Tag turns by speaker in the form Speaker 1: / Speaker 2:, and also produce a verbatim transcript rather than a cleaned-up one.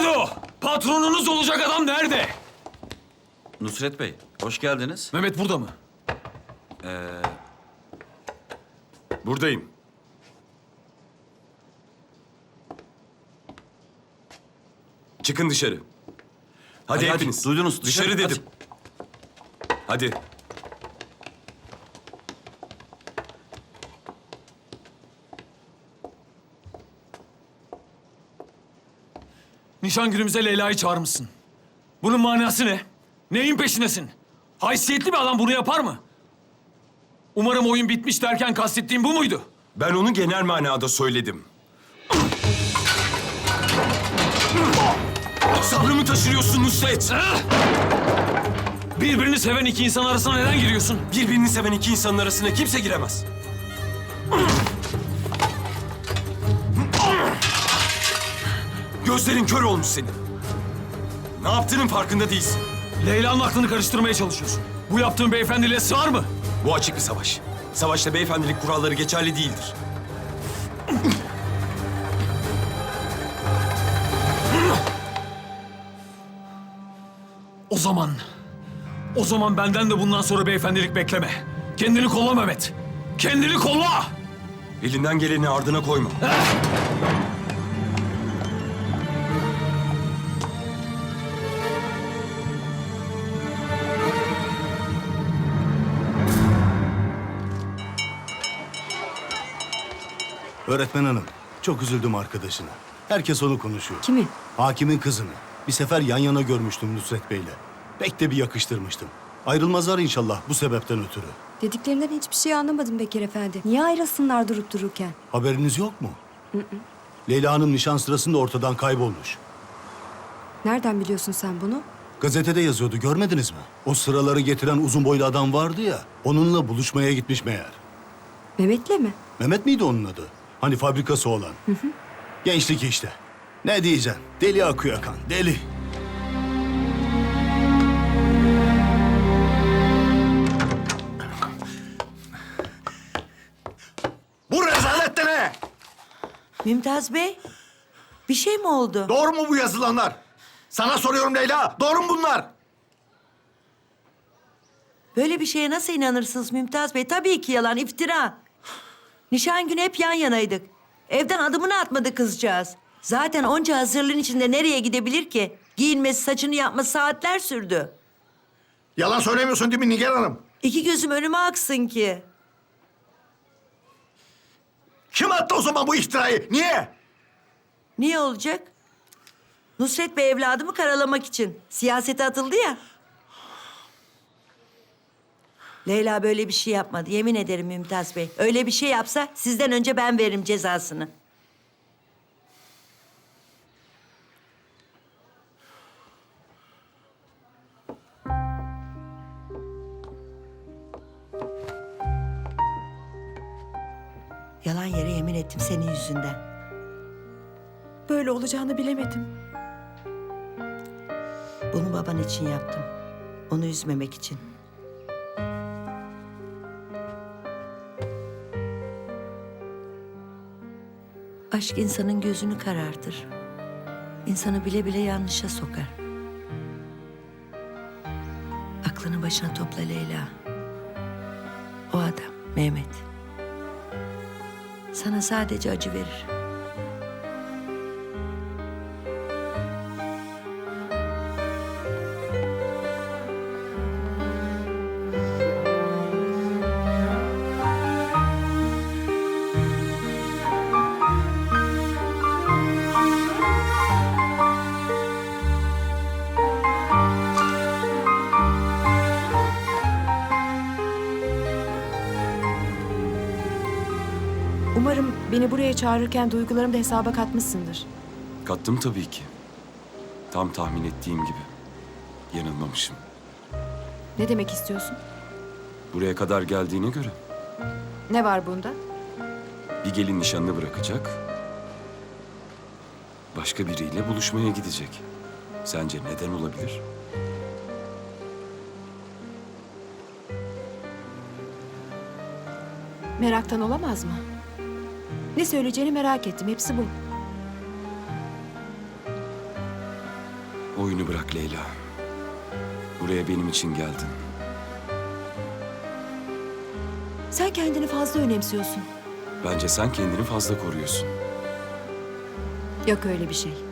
Speaker 1: Alo! Patronunuz olacak adam nerede?
Speaker 2: Nusret Bey, hoş geldiniz.
Speaker 1: Mehmet burada mı?
Speaker 3: Buradayım. Çıkın dışarı. Hadi,
Speaker 2: Hadi, hadi,
Speaker 3: hepiniz.
Speaker 2: duydunuz,
Speaker 3: Dışarı,
Speaker 2: dışarı,
Speaker 3: dedim. Hadi.
Speaker 1: Nişan günümüze Leyla'yı çağırmışsın. Bunun manası ne? Neyin peşindesin? Haysiyetli bir adam bunu yapar mı? Umarım oyun bitmiş derken kastettiğim bu muydu?
Speaker 3: Ben onu genel manada söyledim. Sabrımı taşırıyorsun Nusret.
Speaker 1: Ah! Birbirini seven iki insan arasına neden giriyorsun?
Speaker 3: Birbirini seven iki insanın arasına kimse giremez. Gözlerin kör olmuş senin. Ne yaptığının farkında değilsin.
Speaker 1: Leyla'nın aklını karıştırmaya çalışıyorsun. Bu yaptığın beyefendiliğe sığar mı?
Speaker 3: Bu açık bir savaş. Savaşta beyefendilik kuralları geçerli değildir.
Speaker 1: O zaman... O zaman benden de bundan sonra beyefendilik bekleme. Kendini kolla Mehmet. Kendini kolla!
Speaker 3: Elinden geleni ardına koyma.
Speaker 4: Öğretmen hanım, çok üzüldüm arkadaşına. Herkes onu konuşuyor.
Speaker 5: Kimi?
Speaker 4: Hakimin kızını. Bir sefer yan yana görmüştüm Nusret Bey'le. Pek de bir yakıştırmıştım. Ayrılmazlar inşallah bu sebepten ötürü.
Speaker 5: Dediklerinden hiçbir şey anlamadım Bekir Efendi. Niye ayrılsınlar durup dururken?
Speaker 4: Haberiniz yok mu? Leyla Hanım nişan sırasında ortadan kaybolmuş.
Speaker 5: Nereden biliyorsun sen bunu?
Speaker 4: Gazetede yazıyordu, görmediniz mi? O sıraları getiren uzun boylu adam vardı ya, onunla buluşmaya gitmiş meğer.
Speaker 5: Mehmet'le mi?
Speaker 4: Mehmet miydi onun adı? Hani fabrikası olan. Gençlik işte. Ne diyeceksin? Deli akıyor kan, deli.
Speaker 6: Bu rezalet de ne?
Speaker 7: Mümtaz Bey, bir şey mi oldu?
Speaker 6: Doğru mu bu yazılanlar? Sana soruyorum Leyla, doğru mu bunlar?
Speaker 7: Böyle bir şeye nasıl inanırsınız Mümtaz Bey? Tabii ki yalan, iftira. Nişan günü hep yan yanaydık. Evden adımını atmadı kızcağız. Zaten onca hazırlığın içinde nereye gidebilir ki? Giyinmesi, saçını yapması saatler sürdü.
Speaker 6: Yalan söylemiyorsun değil mi Nigar Hanım?
Speaker 7: İki gözüm önüme aksın ki.
Speaker 6: Kim attı o zaman bu iftirayı? Niye?
Speaker 7: Niye olacak? Nusret Bey evladımı karalamak için. Siyasete atıldı ya. Leyla böyle bir şey yapmadı. Yemin ederim Mümtaz Bey. Öyle bir şey yapsa sizden önce ben veririm cezasını. Yalan yere yemin ettim senin yüzünden.
Speaker 5: Böyle olacağını bilemedim.
Speaker 7: Bunu baban için yaptım. Onu üzmemek için. Aşk insanın gözünü karartır. İnsanı bile bile yanlışa sokar. Aklını başına topla Leyla. O adam Mehmet. Sana sadece acı verir.
Speaker 5: Umarım beni buraya çağırırken duygularımı da hesaba katmışsındır.
Speaker 3: Kattım tabii ki. Tam tahmin ettiğim gibi. Yanılmamışım.
Speaker 5: Ne demek istiyorsun?
Speaker 3: Buraya kadar geldiğine göre
Speaker 5: Ne var bunda?
Speaker 3: bir gelin nişanını bırakacak. Başka biriyle buluşmaya gidecek. Sence neden olabilir?
Speaker 5: Meraktan olamaz mı? Ne söyleyeceğini merak ettim. Hepsi bu.
Speaker 3: Oyunu bırak Leyla. Buraya benim için geldin.
Speaker 5: Sen kendini fazla önemsiyorsun.
Speaker 3: Bence sen kendini fazla koruyorsun.
Speaker 5: Yok öyle bir şey.